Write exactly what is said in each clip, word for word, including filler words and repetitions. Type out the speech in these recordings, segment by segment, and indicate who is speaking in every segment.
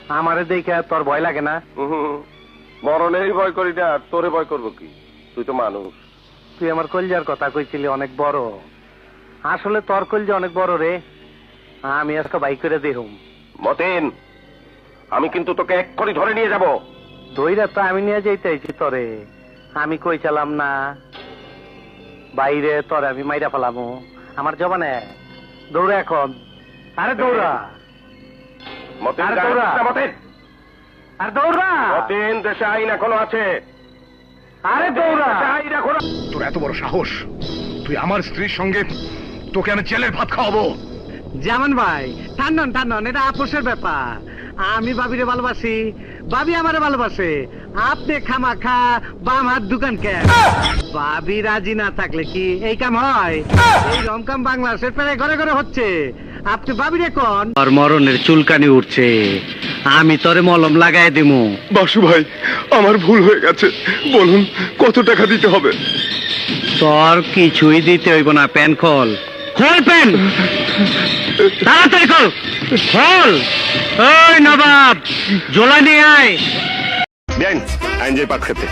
Speaker 1: আমারে দেখে তোর ভয় লাগে না?
Speaker 2: মরণেরই ভয় করি না, তোরে ভয় করবো কি? তুই তো মানুষ।
Speaker 1: তুই আমার কলজার কথা কইছিলি অনেক বড়, আসলে তোর কলজা অনেক বড় রে। আমি আজকে বাইক করে দেখুম।
Speaker 2: মতেন, আমি কিন্তু তোকে এক্ষুনি ধরে নিয়ে যাব।
Speaker 1: দইরা তো আমি নিয়ে যাইতেছি তোরে, আমি কই চালাম না বাইরে তোরে আমি মাইরা ফেলামু আমার জবানে। দৌড়া এখন, আরে দৌড়া,
Speaker 2: মতেন
Speaker 1: আরে
Speaker 2: গায়ে
Speaker 1: দৌড়া।
Speaker 2: হাত দে, মতেন।
Speaker 1: আর দৌড়া,
Speaker 2: মতেন, দেশে আইন এখনো আছে।
Speaker 1: আরে দৌড়া।
Speaker 2: দেশে আইন এখনো।
Speaker 3: তোর এত বড় সাহস, তুই আমার স্ত্রীর সঙ্গে, তোকে আমি জেলের ভাত খাওয়াবো।
Speaker 4: জামান ভাই, ঠান্ডন ঠান্ডন, এটা আপোষের ব্যাপার। আমি বাবিরে ভালোবাসি, বাবি আমারে ভালোবাসে। আপনি খামাখা বাম হাত দোকান কে? বাবি রাজি না থাকলে কি এই কাম হয়? এই রমকাম বাংলাদেশের প্রায় ঘরে ঘরে হচ্ছে। আপনি বাবিরে কোন আর মরণের চুলকানি উঠছে, আমি তোরে মলম লাগাই দিমু।
Speaker 3: বাসু ভাই, আমার ভুল হয়ে গেছে, বলুন কত টাকা দিতে হবে?
Speaker 4: তোর কিছুই দিতে হইব না, প্যান খোল। খোল প্যান, তাড়াতাড়ি খোল, খোল। ওই নবাব, জোলা নিয়ে আয়।
Speaker 3: দেন আইন যে পাট খেতে।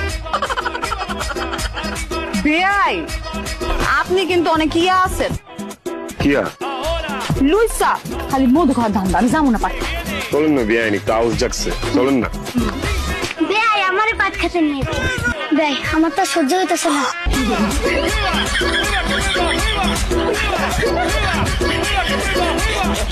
Speaker 5: বেয়াই, আপনি কিন্তু অনেক ইয়া আছেন।
Speaker 3: কিয়া
Speaker 5: লুইসা খালি মধু খাওয়ার ধান্দা, আমি যাবো না পাঠ।
Speaker 3: চলেন না, বিয়াইনি কাউস জাগছে, চলেন না।
Speaker 6: বেয়াই আমারে পাট খেতে নিয়ে বেয়াই, আমার তো সহ্য হইতেছে না।